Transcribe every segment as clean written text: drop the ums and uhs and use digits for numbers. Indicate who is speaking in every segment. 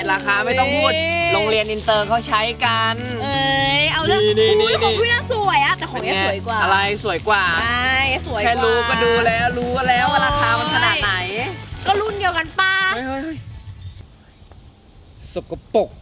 Speaker 1: ราคาไม่ต้องพูดโรงเรียนอินเตอร์เขาใช้กัน
Speaker 2: เอาเรื่องของพี่น่าสวยอะแต่ของแกสวยกว่า
Speaker 1: อะไรสวยกว่า
Speaker 2: ใช่สวยกว่า
Speaker 1: แค่รู้ก็ดูแล้วรู้แล้วว่าราคามันขนาดไหน
Speaker 2: ก็รุ่นเดียวกันป้า
Speaker 1: เฮ้ยสกปรก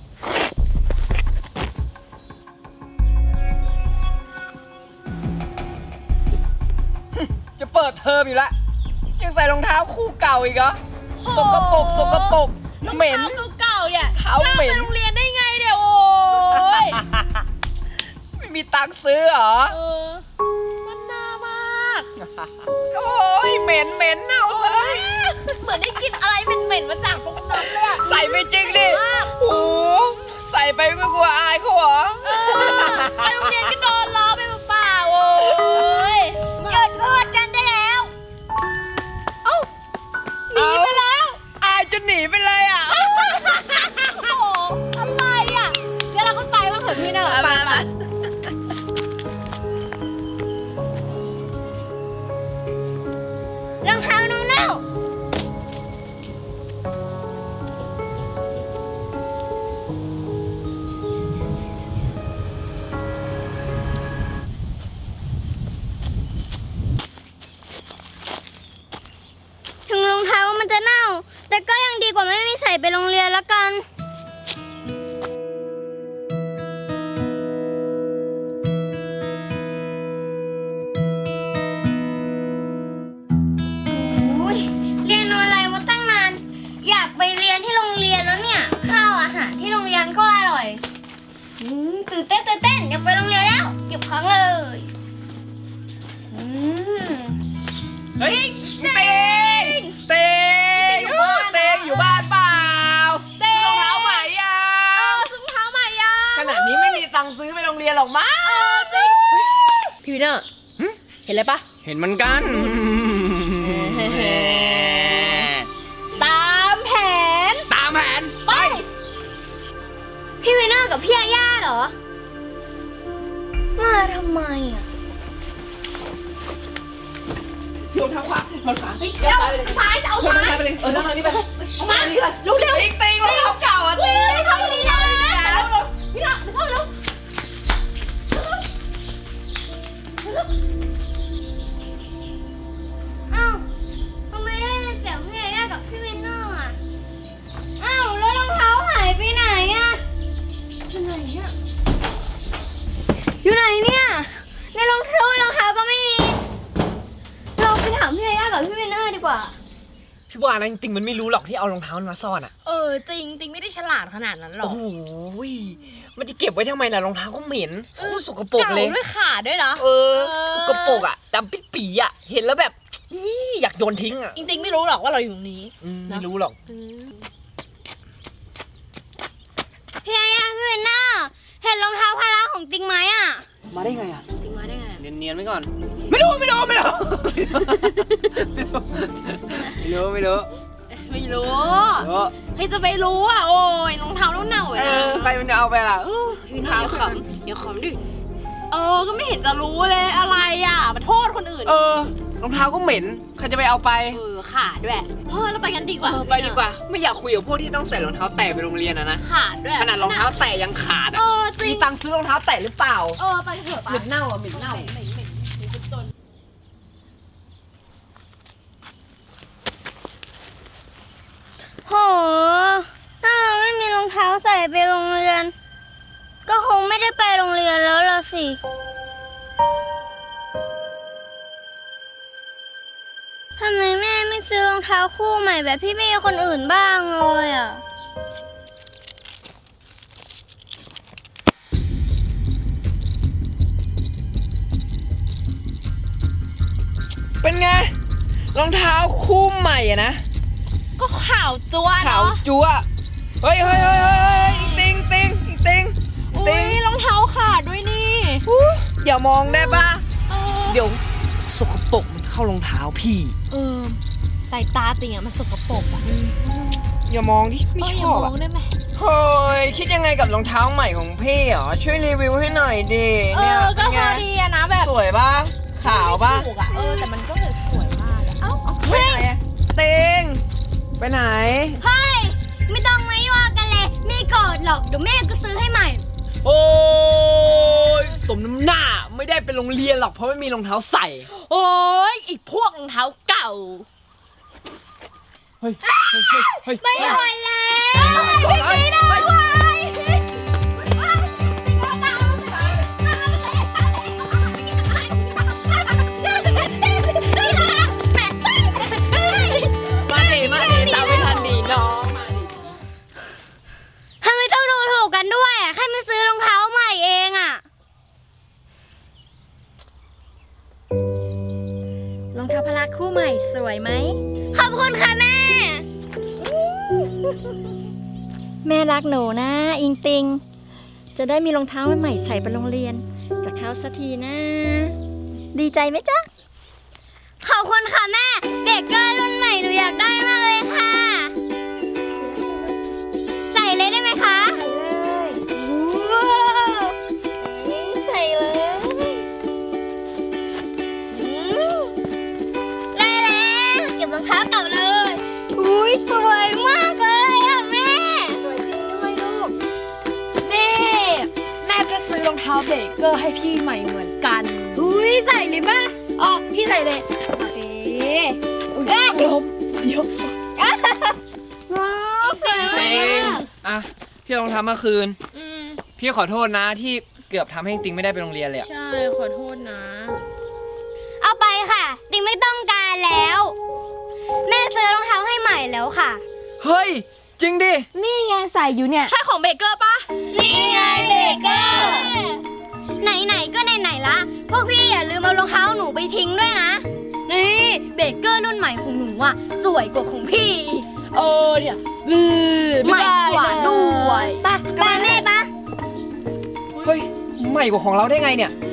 Speaker 1: จะเปิดเทอมอยู่แล้วยังใส่รองเท้าคู่เก่าอีกเหรอสกปรกเหม็น
Speaker 2: เก่าเนี่ย
Speaker 1: เท้าเหม็น
Speaker 2: ไปโรงเรียนได้ไงเนี่ยโอ้ย
Speaker 1: ไม่มีตังค์ซื้อเหรอ
Speaker 2: มันน่ามาก
Speaker 1: โอ้ยเหม็นเน่าเลย
Speaker 2: เหมือนได้กินอะไรเหม็นมาจากตรงนั้นเลยอะ
Speaker 1: ใส่ไปจริงดิโอ้ใส่ไปก็กลัวอายเขาเหรอ
Speaker 2: ไปโรงเรียนก็โดนล้อไปเปล่าโอ้ยหยุดพูดกันได้แล้วเอ้าหนีไปแล้ว
Speaker 1: อายจะหนีไปเลยอ่ะ
Speaker 2: โอ้อะไรอ่ะเดี๋ยวเราก็ไปบ้างเถอะพี่เนอะไปรองเท้าน้องเน่าถึงรองเท้ามันจะเน่าแต่ก็ยังดีกว่าไม่มีใส่ไปโรงเรียนแล้วกันเรียนอะไรมาตั้งนานอยากไปเรียนที่โรงเรียนแล้วเนี่ยข้าวอาหารที่โรงเรียนก็อร่อยตื่นเต้นอยากไปโรงเรียนแล้วเก็บของเลย
Speaker 1: เฮ้ยเตงอยู่บ้านเปล่าซื้อรองเท้าใหม่ยัง
Speaker 2: ซื้อรองเท้าใหม่ยัง
Speaker 1: ขนาดนี้ไม่มีตังค์ซื้อไปโรงเรียนหรอกมั้ง
Speaker 2: จริงพี่วินเนอร์เห็นอะไรปะ
Speaker 1: เห็นมันกัน
Speaker 2: ตามแผนไปพี่วินเนอร์กับพี่ย่าเหรอมาทำไมอ่ะ
Speaker 1: โยนทางขวามันขวาเฮ้ย
Speaker 2: ซ้ายจะเอาซ้าย
Speaker 1: ไปเลยนั่งทางนี้ไป
Speaker 2: เอามาลุกเร็ว
Speaker 1: ติ๊งรองเท้าเก่าอ่ะ
Speaker 2: ติ๊งทำดีนะพี่น้องไปเข้าเร็วอ้าวทำไมได้เสียงพี่ย่ากับพี่วินเนอร์อ่ะอ้าวแล้วรองเท้าหายไปไหนอ่ะอยู่ไหนเนี่ยในรองเท้าก็ไม่มีเราไปถามพี่ย่ากับพี่วินเนอร์ดีกว่า
Speaker 1: พี่ว่านะจริงๆมันไม่รู้หรอกที่เอารองเท้ามาซ่อนอ่ะ
Speaker 2: จริงไม่ได้ฉลาดขนาดนั้นหรอก
Speaker 1: โอ้โหมันจะเก็บไว้ทำไมล่ะรองเท้าก็เหม็นโคตรสกปรกเลย
Speaker 2: เก่าด้วยขาดด้วยนะ
Speaker 1: สกปรกอ่ะดำปิดปีอ่ะเห็นแล้วแบบนี่อยากโยนทิ้งอ่ะ
Speaker 2: จริงไม่รู้หรอกว่าเราอยู่ตรงนี้
Speaker 1: ไม่รู้หรอก
Speaker 2: พี่ย่าพี่วินเนอร์เห็นรองเท้าพละของติ๊งไหมอ่ะ
Speaker 1: มาได้ไงอ่ะ
Speaker 2: ติ๊งมาได้ไง
Speaker 1: เนียนไว้ก่อนไม่รู้
Speaker 2: ใครจะไปรู้อ่ะโอ้ยรองเท้าเน่า
Speaker 1: ใครมันจะเอาไปล่ะ
Speaker 2: รองเท้าเดี๋ยวขำดิก็ไม่เห็นจะรู้เลยอะไรอ่ะมาโทษคนอื่น
Speaker 1: รองเท้าก็เหม็นใครจะไปเอาไป
Speaker 2: ขาดด้วยเราไปกันดีกว่า
Speaker 1: ไปดีกว่าไม่อยากคุยกับพวกที่ต้องใส่รองเท้าแตะไปโรงเรียนนะ
Speaker 2: ขาดด้วย
Speaker 1: ขนาดรองเท้าแตะยังขาดมีตังค์ซื้อรองเท้าแตะหรือเปล่า
Speaker 2: ไปเถอะ
Speaker 1: เหม็นเน่าเหม็น
Speaker 2: จนโหถ้าเราไม่มีรองเท้าใส่ไปโรงเรียนก็คงไม่ได้ไปโรงเรียนแล้วล่ะสิทำไมแม่ไม่ซื้อรองเท้าคู่ใหม่แบบพี่เมย์คนอื่นบ้างเลยอ่ะ
Speaker 1: เป็นไงรองเท้าคู่ใหม่อะนะ
Speaker 2: ก็ขาวจั๊ว
Speaker 1: ขาวจั๊วเฮ้ยติง
Speaker 2: รองเท้าขาดด้วยนี่
Speaker 1: อย่ามองได้ป่ะเดี๋ยวสกปรกมันเข้ารองเท้าพี่
Speaker 2: สายตาติงอ่ะมันสกปรกอ่ะ
Speaker 1: อย่ามองที่ไม่ชอบอ่ะเฮ้ยคิดยังไงกับรองเท้าใหม่ของพี่เหรอช่วยรีวิวให้หน่อยดิ
Speaker 2: เนี่ยก็พอดีอะนะแบบ
Speaker 1: สวยป่ะขาวป่ะ
Speaker 2: แต่มันก็แบบสวยมาก
Speaker 1: ไปไหนเต็งไปไหน
Speaker 2: เฮ้ยไม่ต้องมายั่วกันเลยหรอกเดี๋ยวแม่ก็ซื้อให้ใหม่
Speaker 1: โอ้ยสมน้ำหน้าไม่ได้ไปโรงเรียนหรอกเพราะไม่มีรองเท้าใส่
Speaker 3: โอ้ยอีกพวกรองเท้าเก่า
Speaker 1: เฮ้ยเฮ้ย
Speaker 2: ไม่ไหวแล้ว
Speaker 1: ไม่ได้
Speaker 3: มาดิตามไม่ทันดีน้องมาดิ
Speaker 2: ทำไมต้องดูถูกกันด้วยแค่ไม่ซื้อรองเท้าใหม่เองอะ
Speaker 4: รองเท้าพละคู่ใหม่สวยไหม
Speaker 2: ขอบคุณค่ะแม่
Speaker 4: แม่รักหนูนะ อิงติง จะได้มีรองเท้าใหม่ๆใส่ไปโรงเรียนกับเขาสักทีนะ ดีใจไหมจ๊ะ
Speaker 2: ขอบคุณค่ะแม่เบเกอร์รุ่นใหม่หนูอยากได้มากเลยค่ะ ใส่เลยได้ไหมคะว้าวใส่เลยได้แล้วเก็บรองเท้าเก่าเลยอุ้ยสวยมากเลยอ่ะแม่สวยจริงด้วยลูก
Speaker 3: นี่แม่จะซื้อรองเท้าเบเกอร์ให้พี่ใหม่เหมือนกัน
Speaker 2: อุ้ยใส่เลยป่ะ
Speaker 3: อ๋อพี่ใส่เลยเดี๋ยว
Speaker 2: ว้าวสวย
Speaker 1: เต็
Speaker 2: มาง ก
Speaker 1: อ่ะพี่เอารองเท้ามาคืน
Speaker 3: อืม
Speaker 1: พี่ขอโทษนะที่เกือบทำให้ติงไม่ได้ไปโรงเรียนเลยอะ
Speaker 3: ใช่ขอโทษนะ
Speaker 2: เอาไปค่ะ ติงไม่ต้องการแล้ว แม่ซื้อรองเท้าให้ใหม่แล้วค่ะ
Speaker 1: เฮ้ยจริงดิ
Speaker 3: นี่ไงใส่อยู่เนี่ย ใช่ของเบเกอร์ปะ
Speaker 2: นี่ไงเบเกอร์ ไหนๆก็ไหนๆละ พวกพี่อย่าลืมเอารองเท้าหนูไปทิ้งด้วยนะ นี่เบเกอร์รุ่นใหม่ของหนูอ่ะ สวยกว่าของพี่อีก
Speaker 3: เนี่ย
Speaker 2: ใหม่กว่าด้วย
Speaker 3: ปะ
Speaker 2: ไปแม่ปะ
Speaker 1: เฮ้ยใหม่กว่าของเราได้ไงเนี่ย
Speaker 2: ก